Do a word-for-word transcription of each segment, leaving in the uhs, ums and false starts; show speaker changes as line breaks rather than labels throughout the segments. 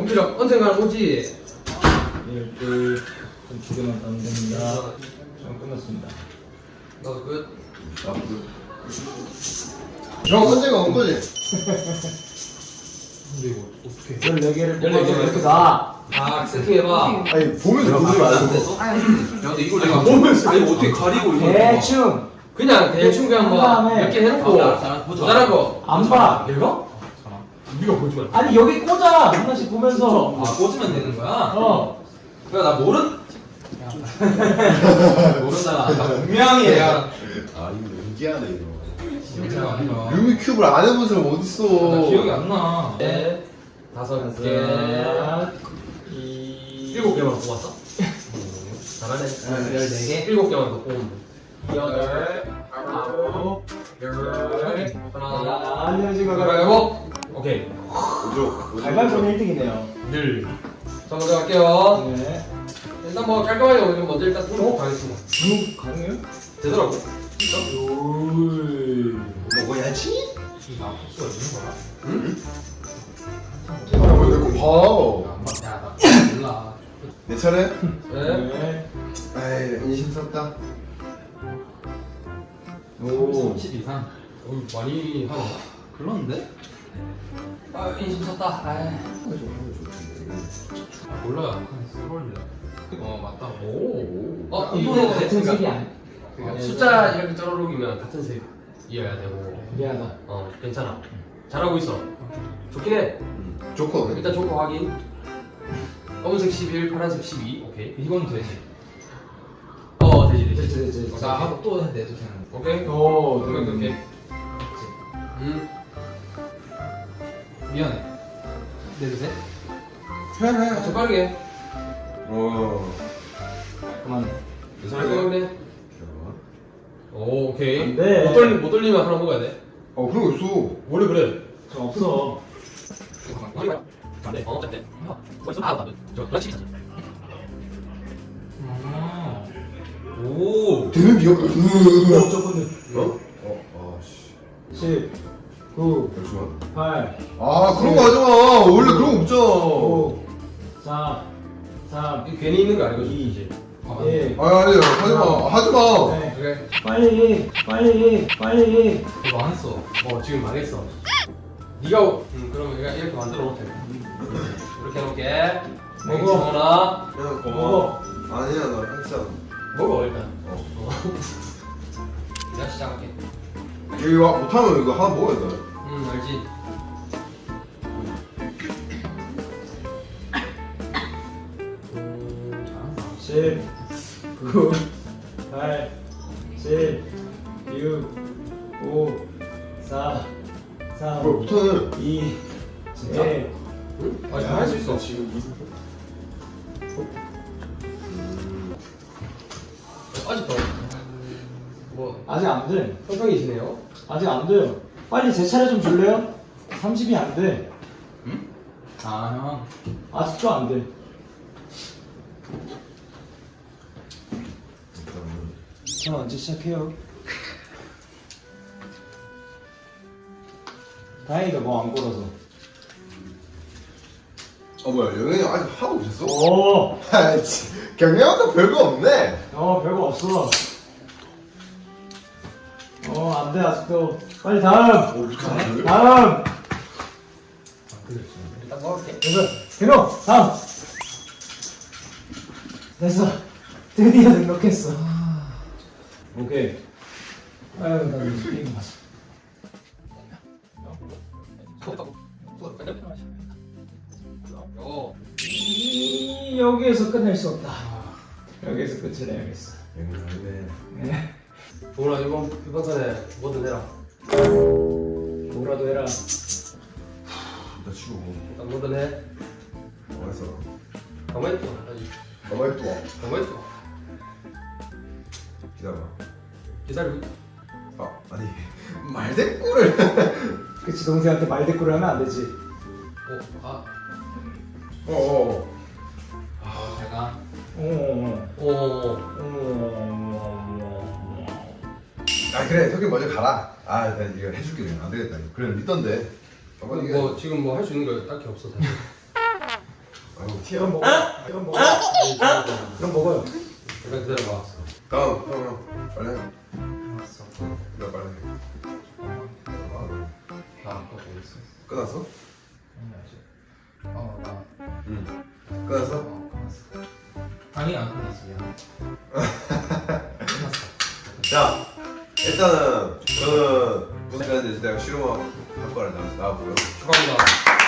연필력 언젠가는 오지.
이렇게 두 개만 따면 됩니다. 전 끝났습니다.
나도 끝.
아, 그. 형 언제가 온 거지?
근데 이거 어떻게?
열네 개를
열네
뽑아서
개.
이렇게 다.
아 세팅해봐.
아니 보면서 보지 말고.
야 근데 이걸 내가 보면서 아니 어떻게 가리고 이거?
대충
그냥 대충 그냥
한
뭐
다음에
몇 개 해놓고 모자란 거.
안 봐.
읽어? 네가 보지 마.
아니 여기 꽂아 하나씩 보면서.
아 꽂으면 되는 거야?
어.
그래 나 모른. 모른다. 분명히 내가.
아 이거 연기하네 이거.
기억이 안 나.
루미 큐브를 안 해본 사람 어딨어?
나 기억이 안 나. 네. 다섯 개.
이.
일곱 개만 뽑았어? 잘하네. 열네 개. 일곱 개만 더 뽑으면 돼. 여덟. 아홉. 열. 하나.
안녕하세요.
가위바위보. 오케이.
오죠.
갈갈보는 일 등이네요.
늘. 자 먼저 갈게요.
네.
일단 뭐 깔끔하게 오늘 먼저 일단 뚫고 가겠습니다.
이거 가능해요?
되더라고.
올.
먹어야지.
나 복수가 있는 거야?
응? 아, 내거 봐.
야, 나 몰라.
내 차례?
네.
네.
에이 인심 썼다.
오. 삼십 이상. 어, 많이 하네. 그러는데? 아, 인심 썼다. 아이. 아, 몰라요. 한 스몰입니다. 어, 맞다. 오. 어,
이거
이번에
같은 색이 아니야.
그러니까 숫자 이렇게 쩌르륵이면 같은 색이어야 되고.
미안하다.
어, 괜찮아. 잘하고 있어. 좋긴 해.
좋거든.
일단 조커 확인. 검은색 십일, 파란색 십이. 오케이. 이건 되지. 어, 되지, 되지.
됐지, 됐지, 됐지.
나 하고 또 내도 되는. 오케이.
오,
오케이, 오케이, 오케이. 음. 미안해. 내도 돼?
해 해.
아, 좀 빠르게.
어.
그만.
내
잘
차례.
그래. 오, 오케이.
안 돼.
못 돌리 못 돌리면 하나 먹어야 돼.
어 그런 거 있어.
원래 그래.
저 없어.
안 돼. 어, 어쨌든. 벌써 아, 나도. 저 그렇지. 아. 오.
되는 비가.
저거는
어? 어. 아씨.
십, 구,
잠시만.
팔,
아 그런 거 하지 마. 원래 그런 거 없잖아.
오, 사, 삼,
이거 괜히 있는 거 아니고
이,
이제.
일.
아 아니 하지 마. 하지 마.
네.
그래.
빨리, 빨리, 빨리.
이거 망했어. 어, 지금 망했어. 네가 음, 그러면 내가 이렇게 만들어 놓을게. 이렇게 해놓을게.
먹어.
하나.
야
고마워.
아니야 나 진짜.
먹어 일단.
어.
어. 내가 시작할게.
여기 와 못하면 이거 하나 먹어야 돼.
음 알지. 음 잘한다.
십, 구, 팔, 칠, 육, 오, 사, 삼,
뭘 못하네.
이,
진짜?
일.
응? 아 잘할 수 있어.
지금 이.
아직도 뭐
아직 안 돼.
평평이시네요.
아직 안 돼요. 빨리 제 차례 좀 줄래요? 삼십이 안 돼.
응? 아 형.
아직도 안 돼. 전 언제 시작해요? 다행이다 뭐 안 걸어서.
어 뭐야 영현이 아직 하고 있었어?
오,
아이씨 경영도 별거 없네.
어 별거 없어. 어 안 돼 아직도. 빨리 다음.
어 이렇게 안 돼?
다음.
일단 먹을게.
됐어. 근호 다음. 됐어. 드디어 등록했어. 오케이. 아유 나 이거 게임 봤어.
어.
이 여기에서 끝낼 수 없다. 여기에서 끝을 내야겠어.
영현이
네.
동훈아 이번 이번 턴에 뭐든 해라.
뭐라도 해라.
나 치고
일단 뭐든 해.
가만있어.
가만히 있어. 아직.
가만히 또 와.
가만히 있어.
기다려.
기다리고 있다.
아 아니 말대꾸를.
그치 동생한테 말대꾸를 하면 안 되지.
어. 아.
어어.
어, 잘 가.
어.
오.
어.
아 그래 석이 먼저 가라. 아 나 이거 해줄게 그냥 안 되겠다. 그래 믿던데.
뭐 지금 뭐 할 수 있는 거 딱히 없어 사실.
아이고 튀어.
이건 먹어. 이건 먹어. 이건 먹어요.
일단 기다려봐.
다음 형 형. 빨리 해.
알았어.
나 빨리 해.
나 아까 뭐 있어?
끝났어?
아니 아직. 어, 나.
응. 끝났어?
어, 끝났어. 아니 안 끝났어. 미안. 끝났어.
자 일단은 저는 무슨 시간인지 내가 실험한 한 거를 나와서 나와보고요.
축하합니다.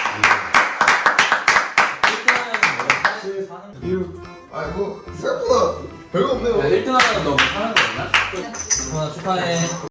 일단은 사실 사는.
이유. 아이고 생각보다 별거 없네요.
일 등 하면 너무 사는 거였나? 하나 축하해.